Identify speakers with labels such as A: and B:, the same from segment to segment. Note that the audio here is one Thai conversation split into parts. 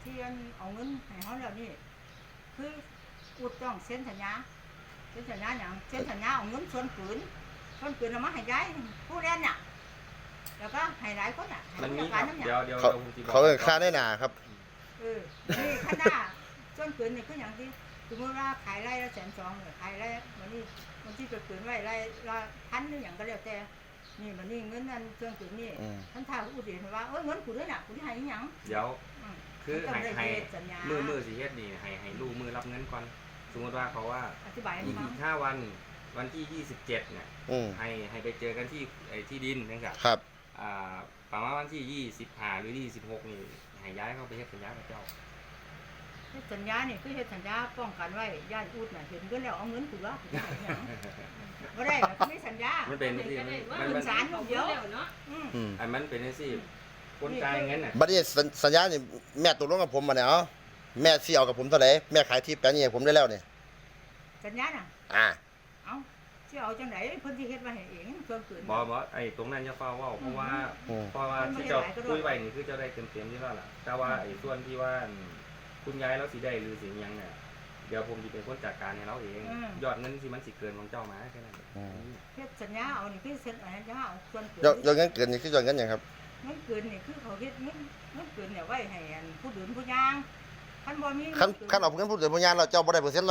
A: ที่เอาเงินให้เขาแล้วนี่คืออุดต้องเซ็นสัญญาอย่างเซ็นสัญญาเอาเงินส่วนปืนเอามาให้ย้ายผู้เล่นน่ะแล้วก็ให้หลายคนน่ะ
B: มันมีครับเดี๋ยว
C: เขาค่าได้หนาครับ
A: นี่ข้างหน้าส่วนปืนนี่คืออย่างที่สมมติว่าขายไร่ละ120,000เนี่ยขายไร่วันนี้มันที่จะปืนไว้ไร่ละ1,000หรืออย่างก็แล้วแต่นี่มันนี่เงินนั่นส่วนปืนนี่ท่านท้าอุดเห็นว่าเงินกูด้วยน่ะกูที่ให้หยัง
B: เดี๋ยวคือให้มือสิเฮ็ดนี่ให้ลูกมือรับเงินก่อนสมมติว่าเขาว่าอีก5 วันที่27เนี่ยให้ไปเจอกันที่ดินนะครับ
C: ครับ
B: ประมาณวันที่25หรือ26นี่ให้ย้ายเข้าไปเฮ็ดสัญญากับเจ้า
A: สัญญาเนี่ยคือเฮ็ดสัญญาป้องกันไว้ญาติอุดน่ะเห็นเงินแล้วเอาเงินกูละบ่ได้มันไม่สัญญา
B: มันเป็นที่
A: มันสารเดียวเนาะ
B: มันเป็นที่คนจ่ายเงินน่ะ
C: บัดนี้สัญญานี่แม่ตกลงกับผมมาเนี่ยแม่สิเอากับผมเท่าไหร่แม่ขายที่แปลงนี้ให้ผมได้แล้วเนี่ย
A: สัญญาน่ะเอาสิเอาจังได๋เพิ่นสิเฮ็ดไว้ให้เองเพิ่นเกิน
B: บ่ไอ้ตรงนั้นอย่าฟ้าเว้าเพราะว่าที่เจ้าคุยไว้นี่คือเจ้าได้เต็มๆที่แล้วล่ะแต่ว่าไอ้ส่วนที่ว่าคุณยายเราสิได้หรือสิยังเนี่ยเดี๋ยวผมจะเป็นคนจัดการให้เราเองยอดเงินสิมันสิเกินของเจ้ามาแค่นั้น
A: เฮ็ดสัญญาเอานี่คือเซ็นสัญญาเอาส่วนเกิน
C: ยอดเงินเกินนี่คือยอดเงินหยังครับ
A: เงินเกินนี่คือเขาเฮ็ดเงินเกินเนี่ยไว้ให้ผู้ดื่มผู้ย่างคันบ่มี
C: คันเอาเงินผู้ดื่มผู้ย่างเราเจ้าบ่ได้เปอร์เซ็นต์100%บ่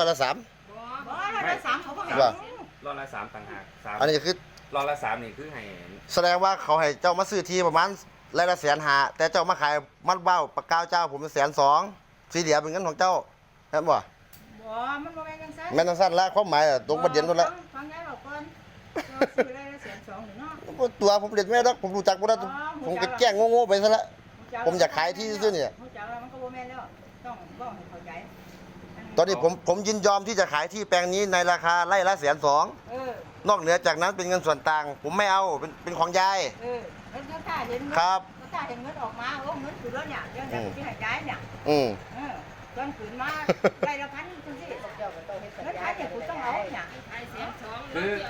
A: 100%เขาบ่ให้
B: 100%ต่างหาก
C: อันนี้คือ
B: 100%นี่คือให้
C: แสดงว่าเขาให้เจ้ามาซื้อที่ประมาณไร่ละ150,000แต่เจ้ามาขายมัดเบ้าปากกาวเจ้าผม120,000สีเหลือเป็นเงินของเจ้าเห็นบ่
A: มันบ่แม่นจังซั่น
C: แม่นจังซั่นละความหมายตรงประเด็นนั่นละ
A: ฟังยายบอกก่อนซื้อไร่ละ120,000นี่เนาะ
C: ตัวผมเด็ดแม่ดอกผมรู้จักบ่ได้ผมก็แกล้งโง่ๆไปซะละผมอยากขายที่ซื่อนี่
A: รู้จักแล้วมันก็บ่แม่นแล้วต้องบอกให้เข้าใจ
C: ตอนนี้ผมยินยอมที่จะขายที่แปลงนี้ในราคาไร่ละ120,000นอกเหนือจากนั้นเป็นเงินส่วนต่างผมไม่เอาเป็นของยาย
A: แล้วถ้าเห็น
C: ครับ
A: ถ้าเห็นเงินออกมาเงินคือแล้วเนี่ยเดี๋ยวจะให้ย้ายเนี่ยตอนขืนมาไร่ละ1,000จังซี่เจ้าก็ต้องเฮ็ดสัญญาเนี่ยกูต้องเอาเนี่ย
B: คือ